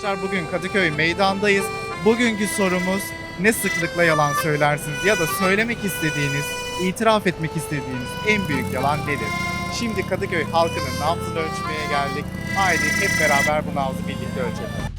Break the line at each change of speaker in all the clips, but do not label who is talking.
arkadaşlar, bugün Kadıköy meydandayız. Bugünkü sorumuz, ne sıklıkla yalan söylersiniz ya da söylemek istediğiniz, itiraf etmek istediğiniz en büyük yalan nedir? Şimdi Kadıköy halkının nabzını ölçmeye geldik. Haydi hep beraber bu nabzı birlikte ölçelim.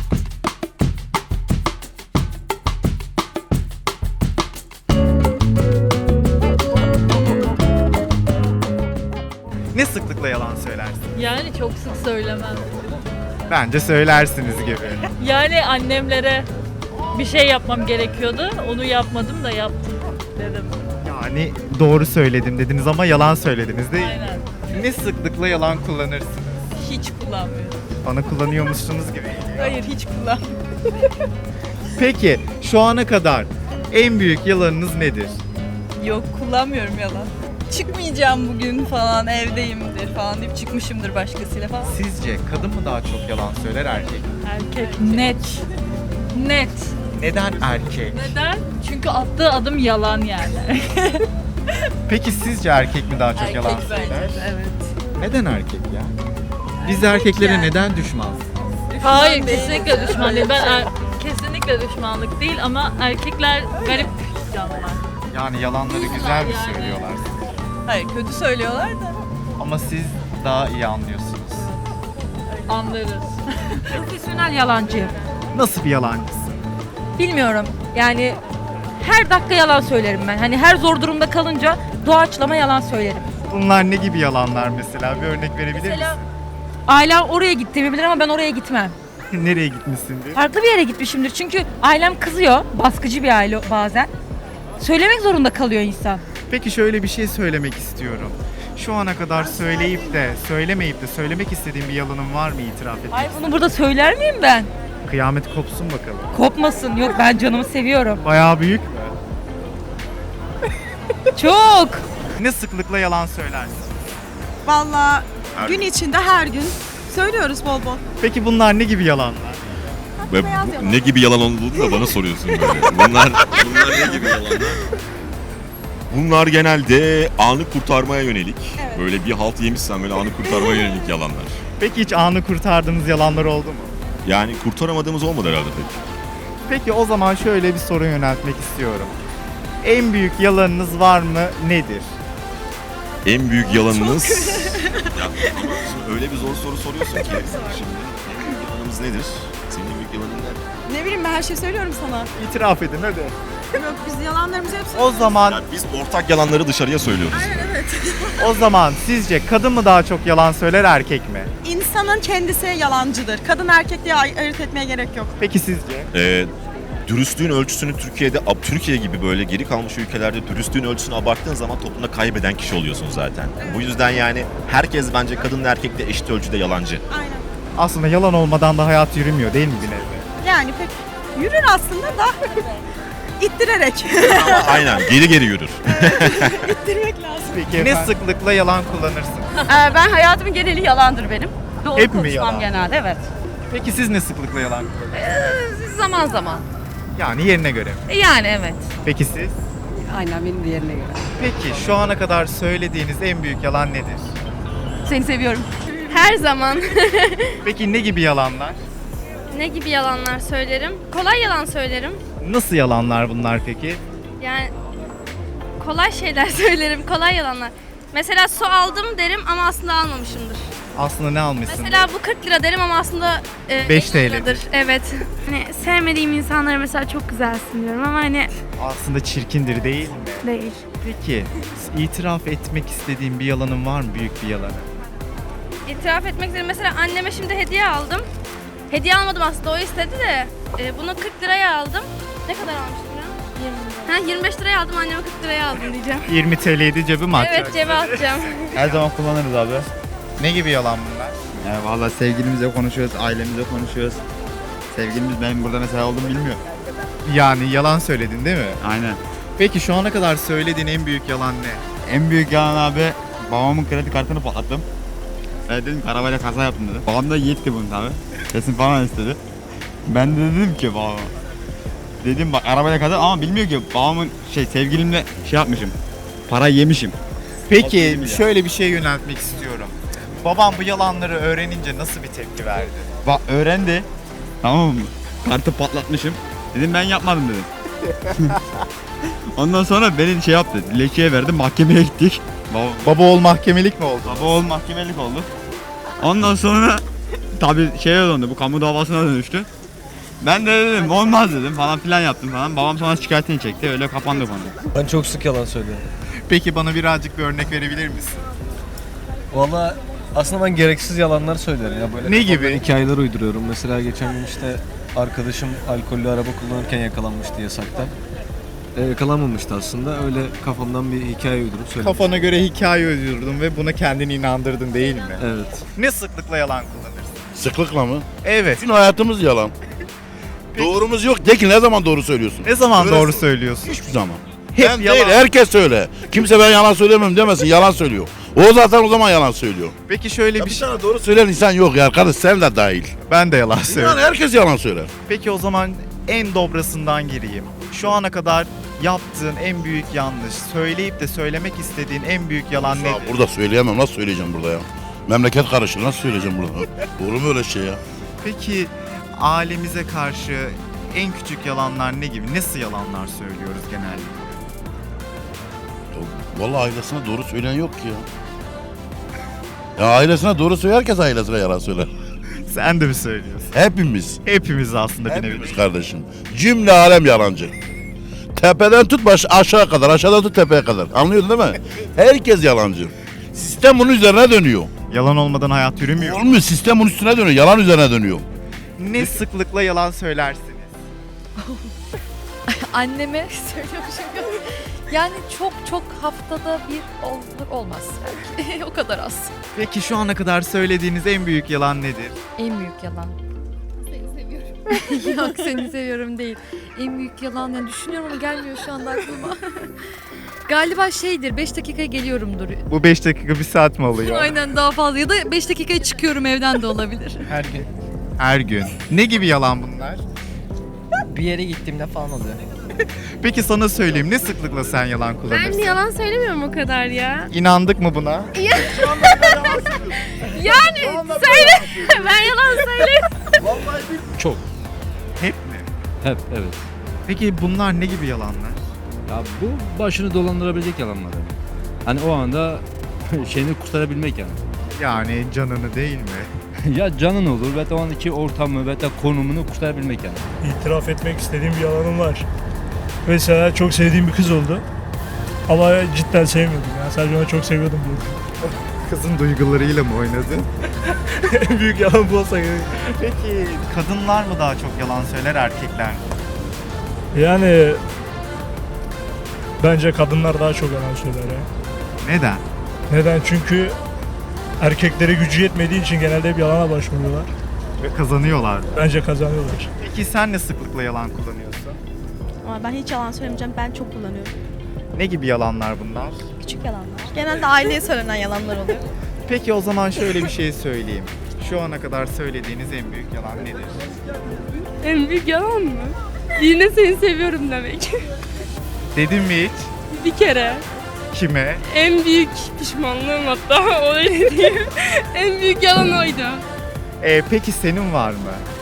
Ne sıklıkla yalan söylersiniz?
Yani çok sık söylemem.
Bence söylersiniz gibi.
Yani annemlere bir şey yapmam gerekiyordu. Onu yapmadım da yaptım dedim.
Yani doğru söyledim dediniz ama yalan söylediniz değil mi?
Aynen.
Ne sıklıkla yalan kullanırsınız?
Hiç kullanmıyorum.
Bana kullanıyormuşsunuz gibi geliyor.
Hayır hiç kullanmıyorum.
Peki şu ana kadar en büyük yalanınız nedir?
Yok kullanmıyorum yalan. Çıkmayacağım bugün falan evdeyimdir falan deyip çıkmışımdır başkasıyla falan.
Sizce kadın mı daha çok yalan söyler, erkek mi?
Erkek net. Net.
Neden erkek?
Neden? Çünkü attığı adım yalan yani.
Peki sizce erkek mi daha çok yalan
Erkek bence
söyler?
de, evet.
Neden erkek ya? Biz erkeklere
yani.
neden düşman?
Hayır kesinlikle düşman değil. Kesinlikle düşmanlık değil ama erkekler garip canlılar.
Yani yalanları güzel mi
Yani.
söylüyorlar?
Hayır kötü söylüyorlar da.
Ama siz daha iyi anlıyorsunuz.
Anlarız.
Profesyonel yalancı.
Nasıl bir yalancısın?
Bilmiyorum. Yani her dakika yalan söylerim ben. Hani her zor durumda kalınca doğaçlama yalan söylerim.
Bunlar ne gibi yalanlar mesela? Bir örnek verebilir
Mesela ailem oraya gittiğimi bilir ama ben oraya gitmem.
misin? Nereye gitmişsindir?
Farklı bir yere gitmişimdir. Çünkü ailem kızıyor. Baskıcı bir aile bazen. Söylemek zorunda kalıyor insan.
Peki şöyle bir şey söylemek istiyorum. Şu ana kadar söyleyip de söylemeyip de söylemek istediğin bir yalanın var mı, itiraf etmek?
Ay bunu burada söyler miyim ben?
Kıyamet kopsun bakalım.
Kopmasın. Yok ben canımı seviyorum.
Bayağı büyük mü?
Çok.
Ne sıklıkla yalan söylersin?
Vallahi
Her
gün
gün.
içinde her gün söylüyoruz bol bol.
Peki bunlar ne gibi yalanlar?
Ve ne gibi yalan olduğunu da bana soruyorsun böyle. Bunlar ne gibi yalanlar? Bunlar genelde anı kurtarmaya yönelik. Böyle bir halt yemişsen böyle anı kurtarmaya yönelik yalanlar.
Peki hiç anı kurtardığınız yalanlar oldu mu?
Yani kurtaramadığımız olmadı herhalde pek.
Peki o zaman şöyle bir soru yöneltmek istiyorum. En büyük yalanınız var mı? Nedir?
En büyük yalanınız... ya ama şimdi öyle bir zor soru soruyorsun ki. Şimdi en büyük yalanımız nedir? Senin en büyük yalanın ne?
Ne bileyim ben her şeyi söylüyorum sana.
İtiraf edin hadi.
Yok biz yalanlarımızı hep
O zaman
Yani biz ortak yalanları dışarıya söylüyoruz.
o zaman sizce kadın mı daha çok yalan söyler, erkek mi?
İnsanın kendisi yalancıdır. Kadın erkek diye ayırt etmeye gerek yok.
Peki sizce?
Dürüstlüğün ölçüsünü Türkiye gibi böyle geri kalmış ülkelerde dürüstlüğün ölçüsünü abarttığın zaman toplumda kaybeden kişi oluyorsun zaten. Bu yüzden yani herkes bence kadınla erkekle eşit ölçüde yalancı.
Aynen.
Aslında yalan olmadan da hayat yürümüyor değil mi bir nevi?
Yani pek yürür aslında da ittirerek.
Ama aynen geri yürür.
İttirmek lazım.
Peki ne sıklıkla yalan kullanırsın?
Ben hayatımın geneli yalandır benim. Doğru
Hep mi
konuşmam
yalan?
genelde evet.
Peki siz ne sıklıkla yalan kullanırsınız?
Zaman zaman.
Yani yerine göre mi?
Yani evet.
Peki siz?
Aynen benim de yerine göre.
Peki şu ana kadar söylediğiniz en büyük yalan nedir?
Seni seviyorum.
Her zaman.
Peki ne gibi yalanlar?
Ne gibi yalanlar söylerim? Kolay yalan söylerim.
Nasıl yalanlar bunlar peki?
Yani kolay şeyler söylerim, kolay yalanlar. Mesela su aldım derim ama aslında almamışımdır.
Aslında ne almışsın?
Mesela bu 40 lira derim ama aslında
5
50
TL.
liradır. Evet. Hani sevmediğim insanlara mesela çok güzelsin diyorum ama hani
Aslında çirkindir değil mi?
değil.
Peki itiraf etmek istediğin bir yalanın var mı? Büyük bir yalanı.
İtiraf etmek istedim. Mesela anneme şimdi hediye aldım. Hediye almadım aslında, o istedi de. Bunu 40 liraya aldım. Ne kadar almıştım ya? 20 lira. 25 liraya aldım, anneme 40 liraya aldım diyeceğim.
20 TL'ydi cebime atacak.
Evet, cebe atacağım.
Her zaman kullanırız abi.
Ne gibi yalan bunlar?
Yani valla sevgilimizle konuşuyoruz, ailemizle konuşuyoruz. Sevgilimiz benim burada mesela olduğumu bilmiyor.
Yani yalan söyledin değil mi?
Aynen.
Peki şu ana kadar söylediğin en büyük yalan ne?
En büyük yalan abi babamın kredi kartını patlattım. Ben dedim ki arabayla kaza yaptım dedim. Babam da yetti bunu tabi. Kesin falan istedi. Ben de dedim ki babama. Dedim bak arabayla kaza ama bilmiyor ki babamın sevgilimle yapmışım. Para yemişim.
Peki
6-7 milyar.
şöyle bir şey yöneltmek istiyorum. Babam bu yalanları öğrenince nasıl bir tepki verdi?
Bak öğrendi. Tamam mı? Kartı patlatmışım. Dedim ben yapmadım dedim. Ondan sonra beni şey yaptı. Dilekçeye verdi. Mahkemeye gittik.
Baba oğul mahkemelik mi oldu?
Baba oğul mahkemelik oldu. Ondan sonra tabii şeye döndü. Bu kamu davasına dönüştü. Ben de dedim olmaz dedim falan filan yaptım falan. Babam sonra şikayetini çekti. Öyle kapandı konu.
Ben çok sık yalan söylüyorum.
Peki bana birazcık bir örnek verebilir misin?
Valla aslında ben gereksiz yalanlar söylerim ya böyle.
Ne
kafamdan
gibi?
Hikayeler uyduruyorum. Mesela geçen gün işte arkadaşım alkollü araba kullanırken yakalanmıştı yasakta. Yakalanmamıştı aslında. Öyle kafamdan bir hikaye uydurup söyledim.
Kafana göre hikaye uydurdun ve buna kendini inandırdın değil mi?
Evet.
Ne sıklıkla yalan kullanırsın?
Sıklıkla mı?
Evet.
Bütün hayatımız yalan. Doğrumuz yok. De ki ne zaman doğru söylüyorsun?
Ne zaman
Öyle-
doğru söylüyorsun?
Hiçbir zaman.
Hep
Ben
yalan.
değil, herkes söyle. Kimse ben yalan söylemem demesin, yalan söylüyor. O zaten o zaman yalan söylüyor.
Peki şöyle
Ya
bir
bir
şey.
tane doğru söyleyen insan yok ya arkadaş, sen de dahil.
Ben de yalan
Yani
söylüyorum.
herkes yalan söyler.
Peki o zaman en dobrasından gireyim. Şu ana kadar yaptığın en büyük yanlış, söyleyip de söylemek istediğin en büyük yalan
Ya
nedir?
burada söyleyemem, nasıl söyleyeceğim burada ya? Memleket karışır, nasıl söyleyeceğim burada? Doğru mu öyle şey ya?
Peki ailemize karşı en küçük yalanlar ne gibi? Nasıl yalanlar söylüyoruz genellikle?
Vallahi ailesine doğru söyleyen yok ki ya. Ya ailesine doğru söyler, herkes ailesine yalan söyler.
Sen de mi söylüyorsun?
Hepimiz.
Hepimiz aslında bir nevi.
Hepimiz kardeşim. Cümle alem yalancı. Tepeden tut aşağı kadar, aşağıdan tut tepeye kadar. Anlıyorsun değil mi? Herkes yalancı. Sistem bunun üzerine dönüyor.
Yalan olmadan hayat yürümüyor.
Olmuyor, sistem bunun üstüne dönüyor, yalan üzerine dönüyor.
Ne sıklıkla yalan söylersiniz?
Anneme söylüyormuşum. Yani çok haftada bir olur olmaz belki. O kadar az.
Peki şu ana kadar söylediğiniz en büyük yalan nedir?
En büyük yalan. Seni seviyorum. Yok seni seviyorum değil. En büyük yalan yani düşünüyorum ama gelmiyor şu anda aklıma. Galiba şeydir 5 dakikaya geliyorumdur.
Bu 5 dakika 1 saat mi oluyor?
Aynen daha fazla ya da 5 dakikaya çıkıyorum evden de olabilir.
Her gün
Her gün. Ne gibi yalan bunlar?
bir yere gittiğimde falan oluyor.
Peki sana söyleyeyim, ne sıklıkla sen yalan kullanırsın?
Ben yalan söylemiyorum o kadar ya.
İnandık mı buna?
Yani söyle. Ben yalan söylemiyorum.
Çok.
Hep mi?
Hep evet.
Peki bunlar ne gibi yalanlar?
Ya bu başını dolandırabilecek yalanlar. Yani. Hani o anda şeyini kurtarabilmek yani.
Yani canını değil mi?
Ya canın olur ve o andaki ortamı ve de konumunu kurtarabilmek yani.
İtiraf etmek istediğim bir yalanım var. Mesela çok sevdiğim bir kız oldu. Ama cidden sevmiyordum ya. Sadece onu çok seviyordum diye.
Kızın duygularıyla mı oynadın?
En büyük yalan bu olsa gerek.
Peki kadınlar mı daha çok yalan söyler, erkekler mi?
Yani bence kadınlar daha çok yalan söyler ya.
Neden?
Neden? Çünkü erkeklere gücü yetmediği için genelde hep yalana başvuruyorlar.
Ve kazanıyorlar.
Bence kazanıyorlar.
Peki sen ne sıklıkla yalan kullanıyorsun?
Ama ben hiç yalan söylemeyeceğim. Ben çok kullanıyorum.
Ne gibi yalanlar bunlar?
Küçük yalanlar. Genelde aileye söylenen yalanlar oluyor.
Peki o zaman şöyle bir şey söyleyeyim. Şu ana kadar söylediğiniz en büyük yalan nedir?
En büyük yalan mı? Yine seni seviyorum demek.
Dedim mi hiç?
Bir kere.
Kime?
En büyük pişmanlığım hatta öyle diyeyim. En büyük yalan oydu.
Peki senin var mı?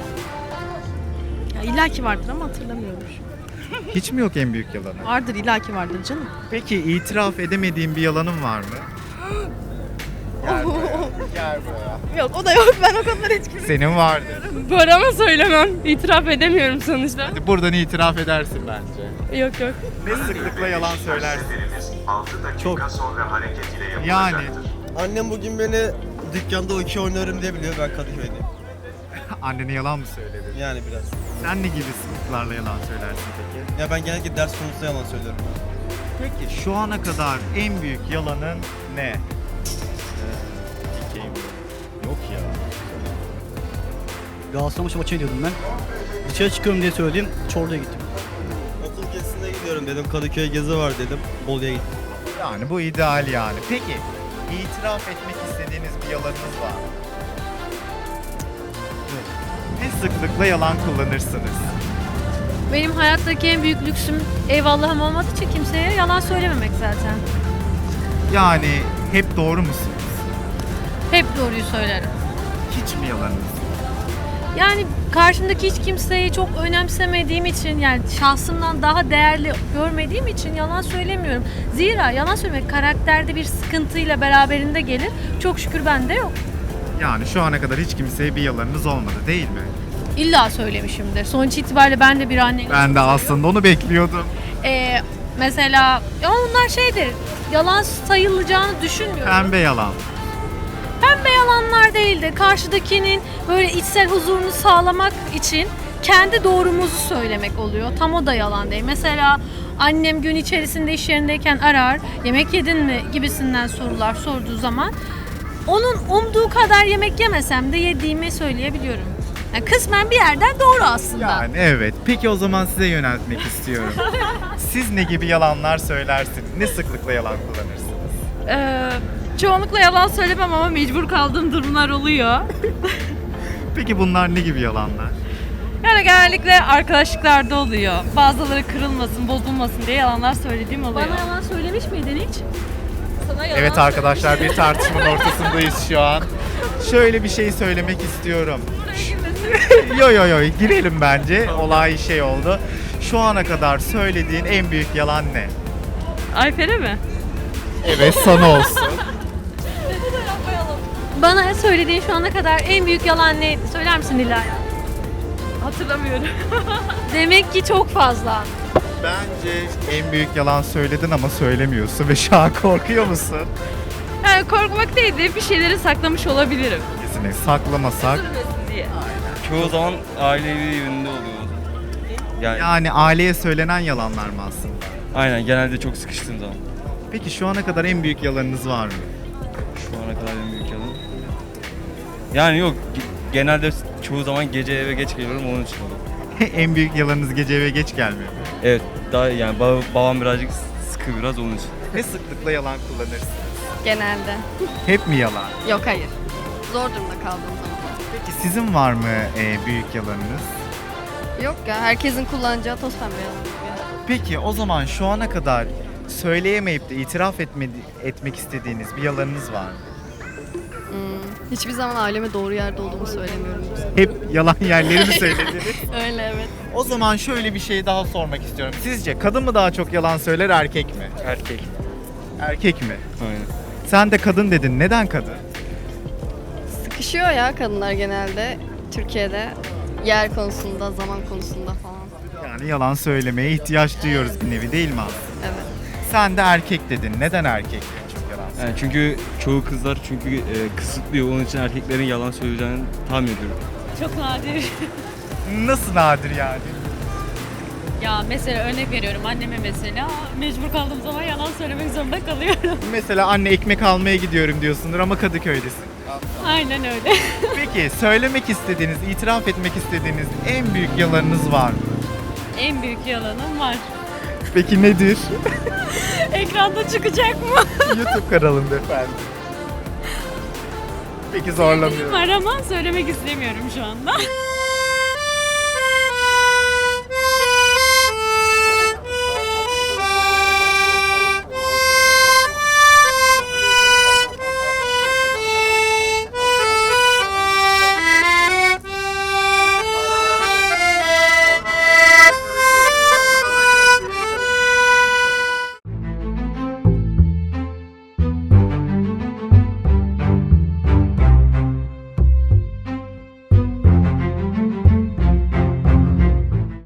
Ya illaki vardır ama hatırlamıyorum.
Hiç mi yok en büyük yalanı?
Vardır, illaki vardır canım.
Peki itiraf edemediğin bir yalanın var mı? Gel buraya. Gel buraya.
Yok o da yok. Ben o konulara hiç girmiyorum.
Senin vardır.
Var ama söylemem. İtiraf edemiyorum sonuçta.
Hadi buradan itiraf edersin bence.
Yok yok.
Ne sıklıkla yalan söylersin? Çok. Yani
Annem bugün beni dükkanda okey oynarım diye biliyor, ben Kadıköy'deyim.
annene yalan mı söyledin?
Yani biraz.
Sen ne gibi sıklıklarla yalan söylersin peki?
Ya ben genellikle ders konusunda yalan söylüyorum.
Peki şu ana kadar en büyük yalanın ne?
Yok ya. Galatasaray maçına gidiyordum ben. Dışarı çıkıyorum diye söyleyeyim, Çorlu'ya gittim. Okul gezisine gidiyorum dedim, Kadıköy gezi var dedim, Bolu'ya gittim.
Yani bu ideal yani. Peki itiraf etmek istediğiniz bir yalanınız var mı? Ne sıklıkla yalan kullanırsınız?
Benim hayattaki en büyük lüksüm eyvallahım olmadığı için kimseye yalan söylememek zaten.
Yani hep doğru musunuz?
Hep doğruyu söylerim.
Hiç mi yalanınız?
Yani karşımdaki hiç kimseyi çok önemsemediğim için, yani şahsımdan daha değerli görmediğim için yalan söylemiyorum. Zira yalan söylemek karakterde bir sıkıntıyla beraberinde gelir. Çok şükür bende yok.
Yani şu ana kadar hiç kimseye bir yalanınız olmadı değil mi?
İlla söylemişimdir. Sonuç itibariyle ben de bir anneyim.
Ben de aslında onu bekliyordum.
Mesela ya onlar şeydir, yalan sayılacağını düşünmüyorum.
Pembe yalan.
Pembe yalanlar değil de karşıdakinin böyle içsel huzurunu sağlamak için kendi doğrumuzu söylemek oluyor. Tam o da yalan değil. Mesela annem gün içerisinde iş yerindeyken arar, yemek yedin mi gibisinden sorular sorduğu zaman onun umduğu kadar yemek yemesem de yediğimi söyleyebiliyorum. Yani kısmen bir yerden doğru aslında.
Yani evet. Peki o zaman size yöneltmek istiyorum. Siz ne gibi yalanlar söylersiniz? Ne sıklıkla yalan kullanırsınız?
Çoğunlukla yalan söylemem ama mecbur kaldığım durumlar oluyor.
Peki bunlar ne gibi yalanlar?
Yani genellikle arkadaşlıklarda oluyor. Bazıları kırılmasın, bozulmasın diye yalanlar söylediğim oluyor.
Bana yalan söylemiş miydin hiç? Sana yalan
Evet arkadaşlar, bir tartışmanın ortasındayız şu an. Şöyle bir şey söylemek istiyorum. Yo girelim bence. Olay şey oldu. Şu ana kadar söylediğin en büyük yalan ne?
Ayfer'e mi?
Evet, sana olsun.
Bana söylediğin şu ana kadar en büyük yalan ne? Söyler misin Nilay?
Hatırlamıyorum.
Demek ki çok fazla.
Bence en büyük yalan söyledin ama söylemiyorsun ve şu an korkuyor musun?
Yani korkmak değil de bir şeyleri saklamış olabilirim.
Kesinlikle saklamasak.
Üzülmesin diye.
Çoğu zaman ailevi yönünde oluyor.
Yani aileye söylenen yalanlar mı aslında?
Aynen, genelde çok sıkıştığım zaman.
Peki şu ana kadar en büyük yalanınız var mı?
Şu ana kadar en büyük yalan. Yani yok, genelde çoğu zaman gece eve geç geliyorum, onun için oluyor.
En büyük yalanınız gece eve geç gelmiyor mu?
Evet, daha yani babam birazcık sıkı biraz onun için.
Ne sıklıkla yalan kullanırsınız?
Genelde.
Hep mi yalan?
Yok hayır. Zor durumda kaldığım zaman.
Peki sizin var mı büyük yalanınız?
Yok ya, herkesin kullanacağı toz pembe yalan.
Peki o zaman şu ana kadar söyleyemeyip de itiraf etmek istediğiniz bir yalanınız var mı?
Hiçbir zaman aileme doğru yerde olduğumu söylemiyorum.
Hep yalan yerleri mi söylediniz?
Öyle evet.
O zaman şöyle bir şey daha sormak istiyorum. Sizce kadın mı daha çok yalan söyler, erkek mi?
Erkek.
Erkek mi?
Aynen.
Sen de kadın dedin. Neden kadın?
Sıkışıyor ya kadınlar genelde Türkiye'de. Yer konusunda, zaman konusunda falan.
Yani yalan söylemeye ihtiyaç duyuyoruz bir nevi, değil mi aslında?
Evet.
Sen de erkek dedin. Neden erkek çok yalan söylüyor?
Yani çünkü çoğu kızlar kısıtlıyor, onun için erkeklerin yalan söyleyeceğini tahmin ediyorum.
Çok nadir.
Nasıl nadir yani?
Ya mesela örnek veriyorum, anneme mesela mecbur kaldığım zaman yalan söylemek zorunda kalıyorum.
Mesela anne ekmek almaya gidiyorum diyorsundur ama Kadıköy'desin.
Aynen öyle.
Peki söylemek istediğiniz, itiraf etmek istediğiniz en büyük yalanınız var mı?
En büyük yalanım var.
Peki nedir?
Ekranda çıkacak mı?
YouTube kanalında efendim. Peki zorlamıyorum.
Var ama söylemek istemiyorum şu anda.